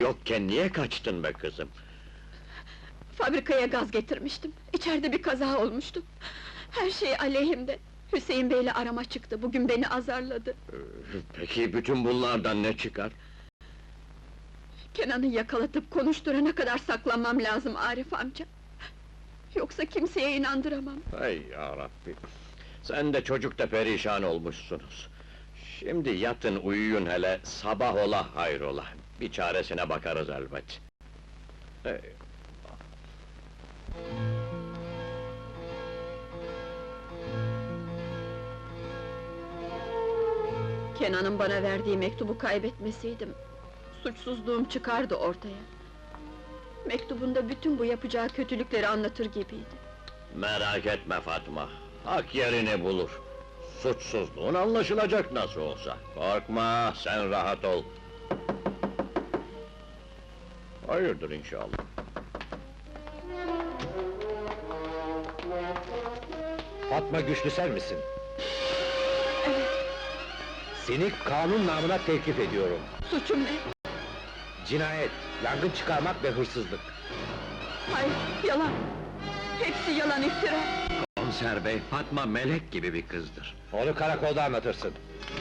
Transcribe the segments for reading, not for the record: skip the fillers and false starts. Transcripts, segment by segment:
yokken niye kaçtın be kızım? Fabrikaya gaz getirmiştim. İçeride bir kaza olmuştu. Her şey aleyhimde. Hüseyin Bey'le arama çıktı. Bugün beni azarladı. Peki bütün bunlardan ne çıkar? Kenan'ı yakalatıp konuşturana kadar saklanmam lazım Arif amca. Yoksa kimseye inandıramam. Hay yarabbi! Sen de çocuk da perişan olmuşsunuz. Şimdi yatın uyuyun hele, sabah ola hayrola. Bir çaresine bakarız elbet. Hey. Kenan'ın bana verdiği mektubu kaybetmeseydim, suçsuzluğum çıkardı ortaya. Mektubunda bütün bu yapacağı kötülükleri anlatır gibiydi. Merak etme Fatma, hak yerini bulur. Suçsuzluğun anlaşılacak nasıl olsa. Korkma, sen rahat ol. Hayırdır inşallah. Fatma Güçlüsel misin? Evet, Seni kanun namına tevkif ediyorum. suçum ne? Cinayet, yangın çıkarmak ve hırsızlık. Hayır, yalan! Hepsi yalan, iftira! Komiser bey, Fatma melek gibi bir kızdır. Onu karakolda anlatırsın.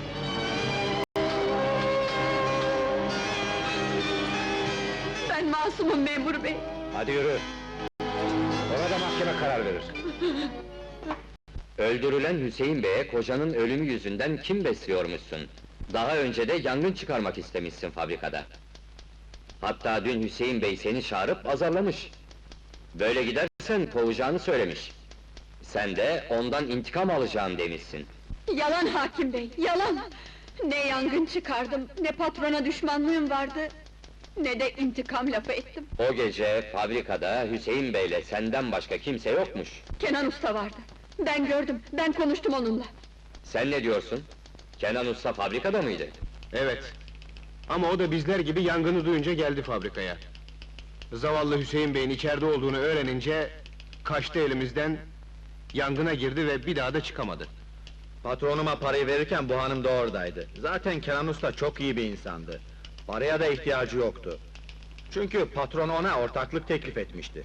Ben masumum memur bey! Hadi yürü. Ona da mahkeme karar verir. Öldürülen Hüseyin Bey'e kocanın ölümü yüzünden kim besliyormuşsun? Daha önce de yangın çıkarmak istemişsin fabrikada. Hatta dün Hüseyin Bey seni çağırıp azarlamış. Böyle gidersen kovacağını söylemiş. Sen de ondan intikam alacağım demişsin. Yalan hakim bey, yalan! Ne yangın çıkardım, ne patrona düşmanlığım vardı, ne de intikam lafı ettim. O gece fabrikada Hüseyin Bey'le senden başka kimse yokmuş. Kenan Usta vardı. Ben gördüm, ben konuştum onunla. Sen ne diyorsun? Kenan Usta fabrikada mıydı? Evet. Ama o da bizler gibi yangını duyunca geldi fabrikaya. Zavallı Hüseyin Bey'in içeride olduğunu öğrenince kaçtı elimizden, yangına girdi ve bir daha da çıkamadı. Patronuma parayı verirken bu hanım da oradaydı. Zaten Kenan Usta çok iyi bir insandı. Paraya da ihtiyacı yoktu. Çünkü patron ona ortaklık teklif etmişti.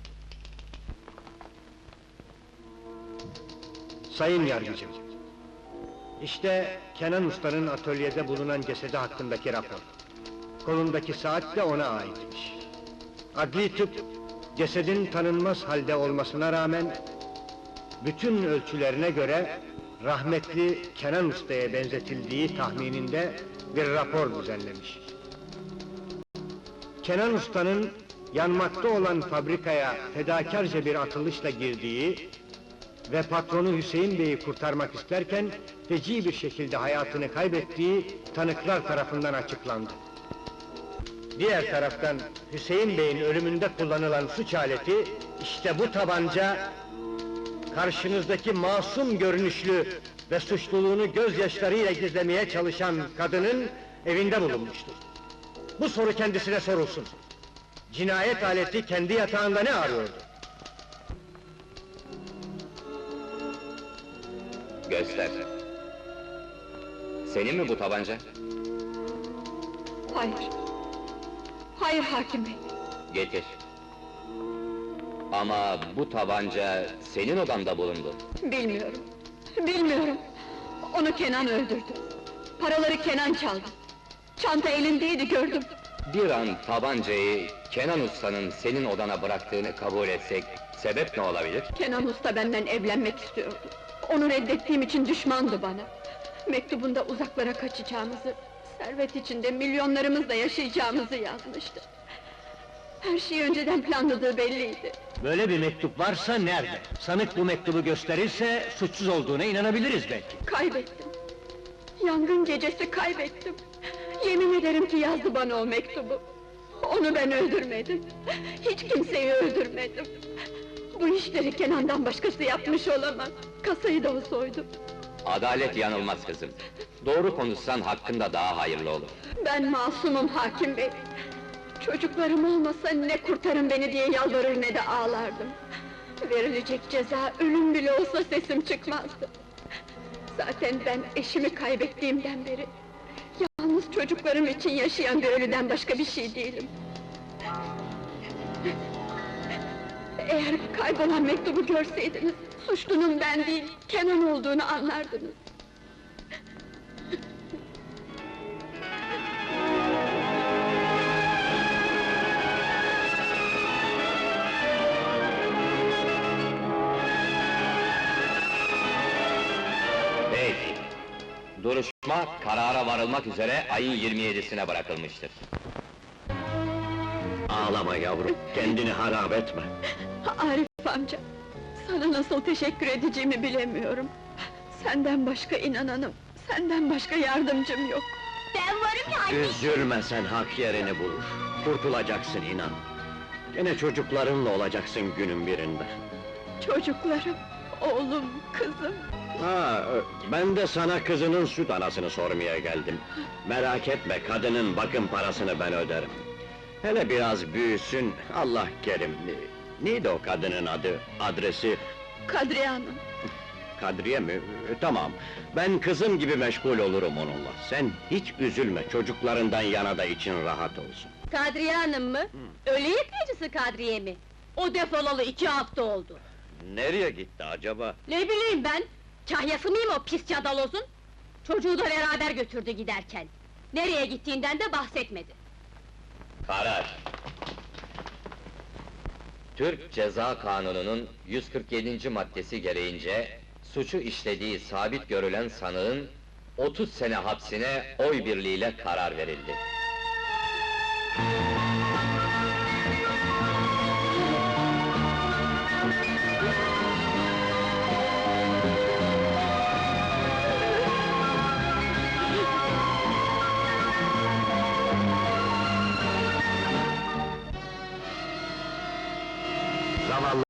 Sayın Yargıcım, işte Kenan Usta'nın atölyede bulunan cesedi hakkındaki rapor. Kolundaki saat de ona aitmiş. Adli tıp, cesedin tanınmaz halde olmasına rağmen, bütün ölçülerine göre, rahmetli Kenan Usta'ya benzetildiği tahmininde bir rapor düzenlemiş. Kenan Usta'nın yanmakta olan fabrikaya fedakarca bir atılışla girdiği ve patronu Hüseyin Bey'i kurtarmak isterken feci bir şekilde hayatını kaybettiği tanıklar tarafından açıklandı. Diğer taraftan Hüseyin Bey'in ölümünde kullanılan suç aleti işte bu tabanca, karşınızdaki masum görünüşlü ve suçluluğunu gözyaşlarıyla gizlemeye çalışan kadının evinde bulunmuştur. Bu soru kendisine sorulsun. Cinayet aleti kendi yatağında ne arıyordu? Göster. Senin mi bu tabanca? Hayır! Hayır hakim bey! Getir. Ama bu tabanca senin odanda bulundu. Bilmiyorum, bilmiyorum! Onu Kenan öldürdü. Paraları Kenan çaldı. Çanta elindeydi, gördüm. Bir an tabancayı Kenan Usta'nın senin odana bıraktığını kabul etsek, sebep ne olabilir? Kenan Usta benden evlenmek istiyordu. Onu reddettiğim için düşmandı bana. Mektubunda uzaklara kaçacağımızı, servet içinde milyonlarımızla yaşayacağımızı yazmıştı. Her şeyi önceden planladığı belliydi. Böyle bir mektup varsa nerede? Sanık bu mektubu gösterirse suçsuz olduğuna inanabiliriz belki. Kaybettim. Yangın gecesi kaybettim. Yemin ederim ki yazdı bana o mektubu. Onu ben öldürmedim. Hiç kimseyi öldürmedim. Bu işleri Kenan'dan başkası yapmış olamaz. Kasayı da o soydu. Adalet yanılmaz kızım. Doğru konuşsan hakkında daha hayırlı olur. Ben masumum hakim bey. Çocuklarım olmasa ne kurtarın beni diye yalvarır ne de ağlardım. Verilecek ceza ölüm bile olsa sesim çıkmazdı. Zaten ben eşimi kaybettiğimden beri yalnız çocuklarım için yaşayan bir ölüden başka bir şey değilim. Eğer kaybolan mektubu görseydiniz, suçlunun ben değil, Kenan olduğunu anlardınız. Peki. Duruşma karara varılmak üzere ayın 27'sine bırakılmıştır. Ağlama yavrum, kendini harap etme. Arif amca, sana nasıl teşekkür edeceğimi bilemiyorum. Senden başka inananım, senden başka yardımcım yok. Ben varım ya anne! Üzülme sen, hak yerini bulur. Kurtulacaksın inan. Gene çocuklarınla olacaksın günün birinde. Çocuklarım, oğlum, kızım. Ben de sana kızının süt anasını sormaya geldim. Merak etme, kadının bakım parasını ben öderim. Hele biraz büyüsün, Allah kerim. Neydi o kadının adı, adresi? Kadriye Hanım, Kadriye mi? Tamam, ben kızım gibi meşgul olurum onunla. Sen hiç üzülme, çocuklarından yana da için rahat olsun. Kadriye Hanım mı? Ölü yıkayıcısı Kadriye mi? O defolalı 2 hafta oldu. Nereye gitti acaba? Ne bileyim ben? Kahyası mıyım o pis cadalozun? Çocuğu da beraber götürdü giderken. Nereye gittiğinden de bahsetmedi. Karar! Türk Ceza Kanunu'nun 147. maddesi gereğince, suçu işlediği sabit görülen sanığın 30 sene hapsine oy birliğiyle karar verildi. Zavallı